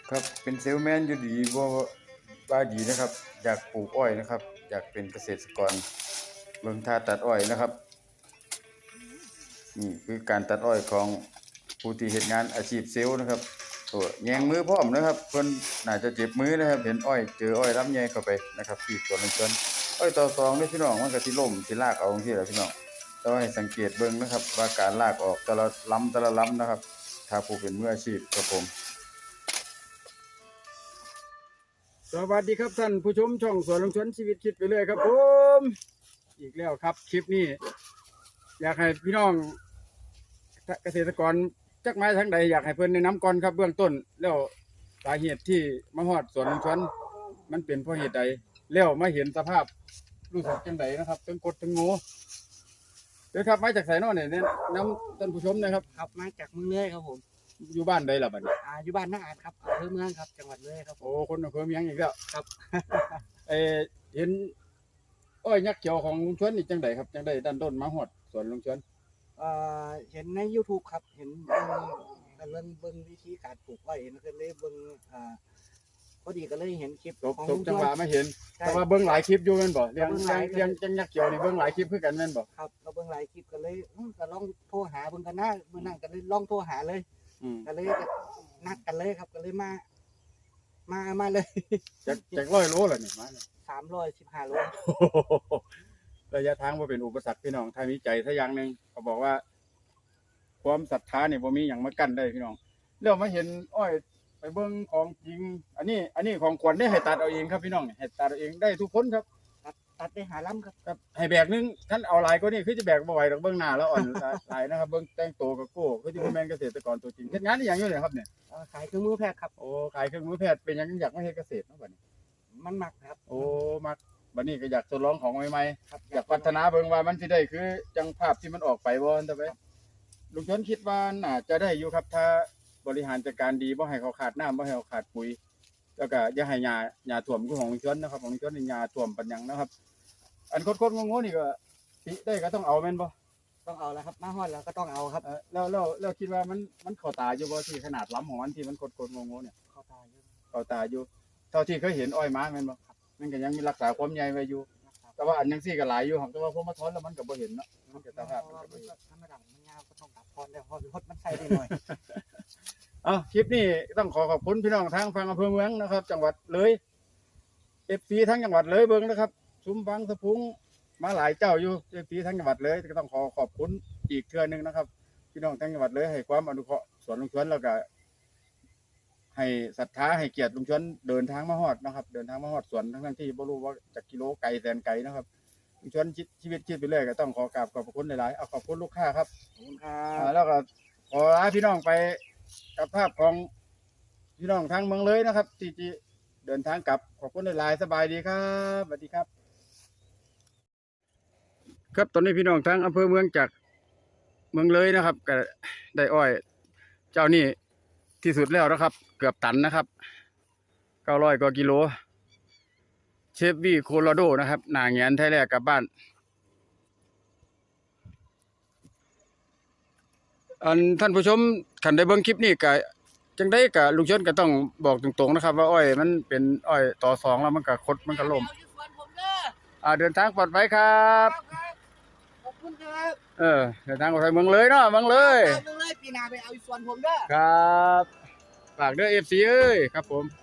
ครับเป็นเซลแมนอยู่ดีบ่ว่าดีนะครับอยากปลูกอ้อยนะครับอยากเป็นเกษตรกรเบิ่งท่าตัดอ้อยนะครับนี่คือการตัดอ้อยของผู้ที่เฮ็ดงานอาชีพเซลล์นะครับตัวแยงมือพร้อมนะครับเพิ่นน่าจะเจ็บมือนะครับเห็นอ้อยเจออ้อยลำใหญ่เข้าไปนะครับที่สวนของเพิ่นอ้อยต่อตองเด้อพี่น้องมันก็สิล้มสิลากเอาจังซี่แหละพี่น้องแต่ว่าให้สังเกตเบิ่งนะครับว่าการลากออกแต่ละลำนะครับถ้าผู้เป็นมืออาชีพครับผมสวัสดีครับท่านผู้ชมช่องสวนลงชวนชีวิตคิดไปเรื่อยครับผมอีกแล้วครับคลิปนี้อยากให้พี่น้องเกษตรกรจักไม้ทั้งใดอยากให้เพิ่นแนะนำก่อนครับเบื้องต้นแล้วสาเหตุที่มาฮอดสวนลงชวนมันเป็นเพราะเหตุใดแล้วมาเห็นสภาพรู้สึกจังไดนะครับทั้งกดทั้งโง่เด้อครับมาจากไสเนาะเนี่ยแนะนำท่านผู้ชมนะครับครับมาจากเมืองเลยครับผมอยู่บ้านใดล่ะบัดนี้อยู่บ้านนาอาจครับอำเภอเมืองครับจังหวัดเลยครับผมโอ้คนอำเภอเมียงอีกแล้วครับเออเห็นอ้อยยักษ์เขียวของลุงชวนนี่จังไดครับจังไดดันต้นมาฮอดสวนลุงชวนเห็นใน YouTube ครับเห็นเบิ่งวิธีการปลูกอ้อยเห็นก็เลยเบิ่งพอดีก็เลยเห็นคลิปของตลุกงจังชหววะนมาเห็นใช่แต่ว่าเบิ่งหลายคลิปอยู่แม่นบ่เรื่องเบิ่งหลายจังยักษ์เขียวนี่เบิ่งหลายคลิปคือกันแม่นบ่ครับเราเบิ่งหลายคลิปก็เลยก็ลองโทรหาเบิ่งกันนะมื้อนั้นก็เลยลองโทรหาเลยอืมก็เลยก็นัดกันเลยครับก็เลยมาเลยจาก100 โลแล้วนี่มาเนี่ย 315 โลระยะทางบ่เป็นอุปสรรคพี่น้องถ้ามีใจถ้าอย่างหนึงเขาบอกว่า ความศรัทธานี่บ่มีหยังมากั้นได้พี่น้องแล้วมาเห็นอ้อยไปเบิ่งของจริงอันนี้ของขวัญได้ให้ตัดเอาเองครับพี่น้องให้ตัดเอาเองได้ทุกคนครับตัดได้หาลำครับครับให้แบกนึงท่านเอาหลายกว่านี้คือจะแบกบ่ไหวดอกเบิ่งหน้าแล้วอ่อนหลายนะครับเบิ่งแต่งตัวกับโก้คือที่บ่แม่นเกษตรกรตัวจริงเฮ็ดงานอีหยังอยู่เนี่ยครับเนี่ยขายเครื่องมือแพทย์ครับโอ้ขายเครื่องมือแพทย์เป็นหยังอยากมาเฮ็ดเกษตรเนาะบัดนี้มันมักครับโอ้มักบัดนี้ก็อยากทดลองของใหม่ครับๆอยากพัฒนาเบิ่งว่ามันสิได้คือจังภาพที่มันออกไปบ่ซั่นแต่ไปลุงชนคิดว่าน่าจะได้อยู่ครับถ้าบริหารจัดการดีบ่ให้เขาขาดน้ำบ่ให้เขาขาดปุ๋ยแล้วก็อย่าให้หญ้าท่วมคือของลุงชนนะครับของลุงชนนี่หญ้าท่วมปานหยังนะครับ อันโคตรๆงงๆนี่ก็ติได้ก็ต้องเอาแม่นบ่ต้องเอาแล้วครับมาฮอดแล้วก็ต้องเอาครับแล้วคิดว่ามันเข้าตาอยู่บ่ที่ขนาดลำของมันที่มันโคตรๆงงๆเนี่ยเข้าตาอยู่เข้าตาอยู่เท่าที่เคยเห็นอ้อยม้าแม่นบ่ครับมันก็ยังมีรักษาความใหญ่ไว้อยู่นะครับแต่ว่าอันจังซี่ก็หลายอยู่ครับแต่ว่าพอมาถอนแล้วมันก็บ่เห็นเนาะมันก็สภาพเพมันราะว่าก็บ่มันเห็นก็ธรรมดามันยาวก็ต้องตัดพรแล้วพอมันใส่ได้หน่อยคลิปนี้ต้องขอบคุณพี่น้องทางฝั่งอำเภอเมืองนะครับ จังหวัดเลย FC ทั้งจังหวัดเลยเบิ่งนะครับชุมฟังสะพุงมาหลายเจ้าอยู่ FC ทั้งจังหวัดเลยก็ต้องขอบคุณอีกเทื่อนึงนะครับ พี่น้องทั้งจังหวัดเลยให้ความอนุเคราะห์สวนลุงชวนแล้วก็ให้ศรัทธาให้เกียรติลุงชวนเดินทางมาฮอดนะครับ เดินทางมาฮอดสวนทั้งที่บ่รู้ว่าจากกิโลไกลแสนไกลนะครับลุงชวนชีวิตคิดไปเรื่อยก็ต้องขอกราบขอบพระคุณหลายๆขอบคุณลูกค้าครับขอบคุณครัแล้วก็ขอลาพี่น้องไปกับภาพของพี่น้องทางเมืองเลยนะครับที่เดินทางกลับขอบคุณหลายๆสบายดีครับสวัสดีครับ ครับตอนนี้พี่น้องทางอำเภอเมืองจากเมืองเลยนะครับก็ได้อ้อย เจ้านี่ที่สุดแล้วนะครับ เกือบตันนะครับ900 กว่ากิโลเชฟวี่โคโลราโดนะครับหนาเงียนไทยแรกกลับบ้านท่านผู้ชมท่านได้เบิ่งคลิปนี้ก็จังได้ก็ลุงชนก็ต้องบอกตรงๆนะครับ ว่าอ้อยมันเป็นอ้อยต่อสองแล้วมันก็คดมันก็ล่มเดินทางปลอดภัยครับขอบคุณครับเดินทางปลอดภัยเมืองเลยเนาะเมืองเลยเมืองเลยปีหน้าไปเอาอีกส่วนผมเด้อครับฝากเด้อ FC เอ้ยครับผม